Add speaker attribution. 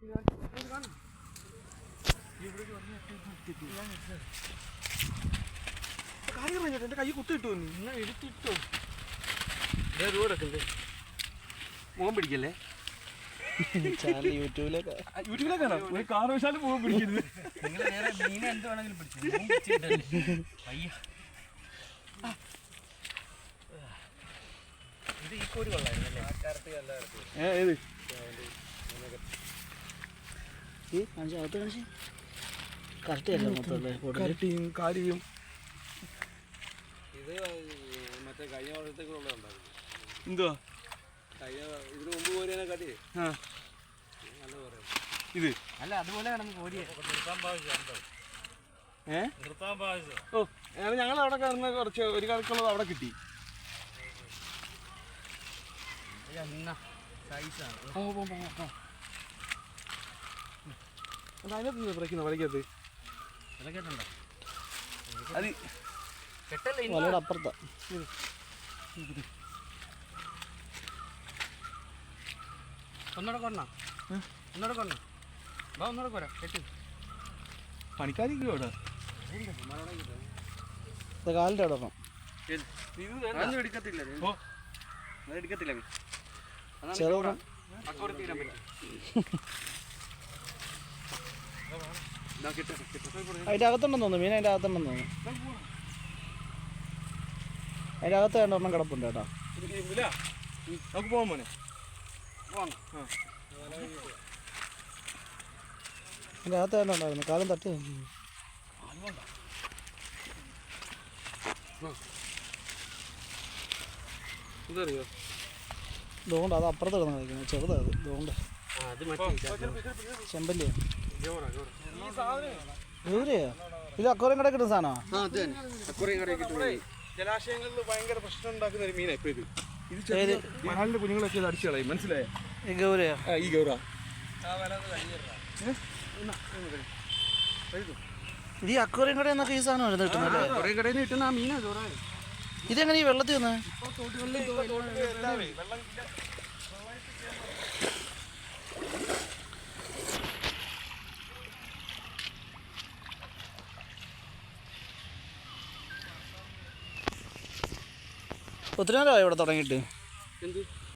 Speaker 1: എന്റെ കൈ കുത്തിട്ടു നിങ്ങൾ എടുത്തിട്ടോ മുഖം പിടിക്കല്ലേ യൂട്യൂബിലേക്കാണോ ഒരു കാരണവശാലും മുഖം പിടിക്കരുത്. നിങ്ങൾ വേറെ മീനെ എന്ത് വേണമെങ്കിലും പിടിച്ചു. ഇത് ഈ കോരി കൊള്ളായിരുന്നല്ലേ? ഏത് കരട്ടിയും കാരിയും ഇത് മറ്റേ കഴിഞ്ഞ വർഷത്തേക്കുള്ളതുണ്ടായിരുന്നു. എന്തുവാ ഇതിന് മുമ്പ് കോരിയതിനെ കാട്ടി നല്ല പറയാം. ഇത് അല്ല അതുപോലെ കിടന്ന് കോരിയെ ഓ ഞങ്ങൾ അവിടെ കിടന്ന് കുറച്ച് ഒരു കണക്കുള്ളത് അവിടെ കിട്ടി. അതിനകത്ത് ബ്രേക്കുന്ന വലക്കകത്ത് അത് അപ്പുറത്താ. ഒന്നൂടെ കൊണ്ണ ഒന്നൂടെ കൊരാ കെട്ടി പണിക്കാരിക്കും അവിടെ കാലിൻ്റെ അവിടെ എടുക്കത്തില്ല. എടുക്കത്തില്ല അതിൻ്റെ അകത്തുണ്ടെന്ന് തോന്നുന്നു. മീൻ അതിൻ്റെ അകത്തുണ്ടെന്ന് തോന്നുന്നു. അതിൻ്റെ അകത്ത് രണ്ടെണ്ണം കിടപ്പുണ്ട് കേട്ടോ. നമുക്ക് പോകാൻ മോനെ അതിൻ്റെ അകത്ത് രണ്ടുണ്ടായിരുന്നു. കാലം തട്ടി ഇതറിയോ? ഇതുകൊണ്ട് അത് അപ്പുറത്ത് കിടന്ന് കളിക്കുന്നത് ചെറുതാ. അത് ഇതുകൊണ്ട് ചെമ്പല്ലിയാണ്. ഗൗരിയാ ഇത് അക്വേറിയം കടയിൽ കിട്ടുന്ന സാധനമാണ്. ജലാശയങ്ങളിൽ ഭയങ്കര പ്രശ്നം ഉണ്ടാക്കുന്ന ഒരു മീനാണ് ഇപ്പൊ ഇത്. ഇത് മണലിന്റെ കുഞ്ഞുങ്ങളൊക്കെ ഇത് അടിച്ചു കളയും. മനസ്സിലായോ? ഈ ഗൗരയാ ഈ ഗൗര ഇത് ഈ അക്വേറിയം കടയിൽ നിന്നൊക്കെ ഈ സാധനം കിട്ടുന്നല്ലേ? അക്വേറിയം കടയിൽ നിന്ന് കിട്ടുന്ന ആ മീനാ ഗൗര. ഇതെങ്ങനെ ഈ വെള്ളത്തിൽ വന്നേ? ഒത്തിരി നേരമായി ഇവിടെ തുടങ്ങിയിട്ട്.